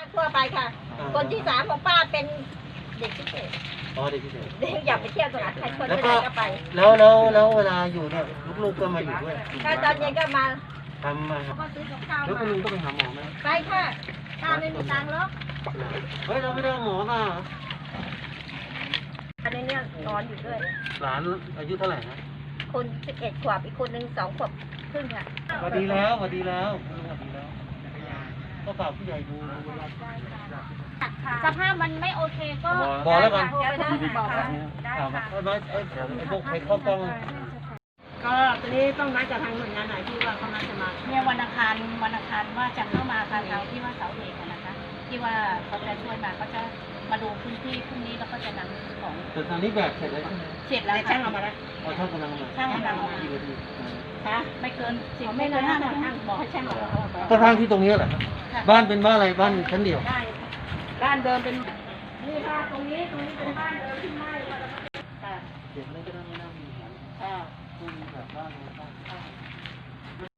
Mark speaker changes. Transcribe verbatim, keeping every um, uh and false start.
Speaker 1: ทั่วไปค่ะ คนที่สามของป้าเป็นเด็กพิเศษ
Speaker 2: อ๋อเด็กพิเศษ
Speaker 1: เด็กอยากไปเที่ยวตลาดใครคน
Speaker 2: แล้ว
Speaker 1: ไหน
Speaker 2: ก็
Speaker 1: ก็ไป
Speaker 2: แล้วแล้วแล้วเวลาอยู่เนี่ยลูกๆก็มาอยู่ด้วย
Speaker 1: ถ้าตอนเย็นก็มา
Speaker 2: ทำมา
Speaker 1: เขาก็ซื้อกับข้าว
Speaker 2: แล้ว
Speaker 1: มา
Speaker 2: คุณลุงต้องไปหาหมอไหม
Speaker 1: ไปค่ะถ้าไม่มีตังค์หรอก
Speaker 2: เฮ้ยเราไม่ได้เอาหมอมา
Speaker 1: อันนี้เนี่ยนอนอยู่ด้วย
Speaker 2: หลานอายุเท่าไหร่นะ
Speaker 1: คนสิบเอ็ดขวบอีกคนหนึ่งสองขวบครึ่งค่ะ
Speaker 2: สวัสดีแล้วสวัสดีแล้วคุณลุงสวัสดีแล้วก็ฝากผู้ใหญ่ดู
Speaker 3: สภาพมันไม่โอเคก็
Speaker 2: บอกแล้วกัน
Speaker 1: บอกแล้ว
Speaker 2: ถามว่าเอ้ยไม่เอ้ยเดี๋ยวไอ้พวกใครเข้ากล้อง
Speaker 1: ก็ตอนนี้ต้องนัดกับทางหน่วยงานไหนที่ว่าเขานัดจะมา
Speaker 3: เนี่ยวันอังคารวันอังคารว่าจะเข้ามาทางเราที่ว่าเสาเอกอะนะคะ ที่ว่าเขาจะช่วยมาเขาจะมาดูพื้นที่พรุ่งนี้แล้วก็จะนำของ
Speaker 2: แต่ตอนนี้แบบเสร็จแล้วใช่ไหม
Speaker 3: เสร็จแล้ว
Speaker 1: ช่า
Speaker 3: ค่ะ
Speaker 1: งเอามาแล้ว
Speaker 2: เอาช่างกำลังมา
Speaker 3: ช่างกำลังมา
Speaker 2: กี่นาที
Speaker 1: ค่ะ
Speaker 3: ไม่เกินสิบ
Speaker 1: เขา
Speaker 3: ไม่
Speaker 1: ไม่
Speaker 3: เกิ
Speaker 1: นาน น
Speaker 3: ห้า
Speaker 1: ห้า
Speaker 3: นา
Speaker 1: นา
Speaker 3: ที
Speaker 1: ทีบอกให้ช่างเอาเอาไป
Speaker 2: ก็ทางที่ตรงนี้แหละ บ้านเป็นบ้านอะไรบ้านชั้นเดียว
Speaker 1: ได้ด้านเดิมเป็นนี่ค่ะตรงนี้ตรงนี้เป็นบ้านเดิมที่ไหม้ค่ะ
Speaker 2: เด็กไม่ก็ได้ไม่น่ามีปัญหา
Speaker 1: ค่ะ
Speaker 2: คุณแบบบ้านอะไรบ้าง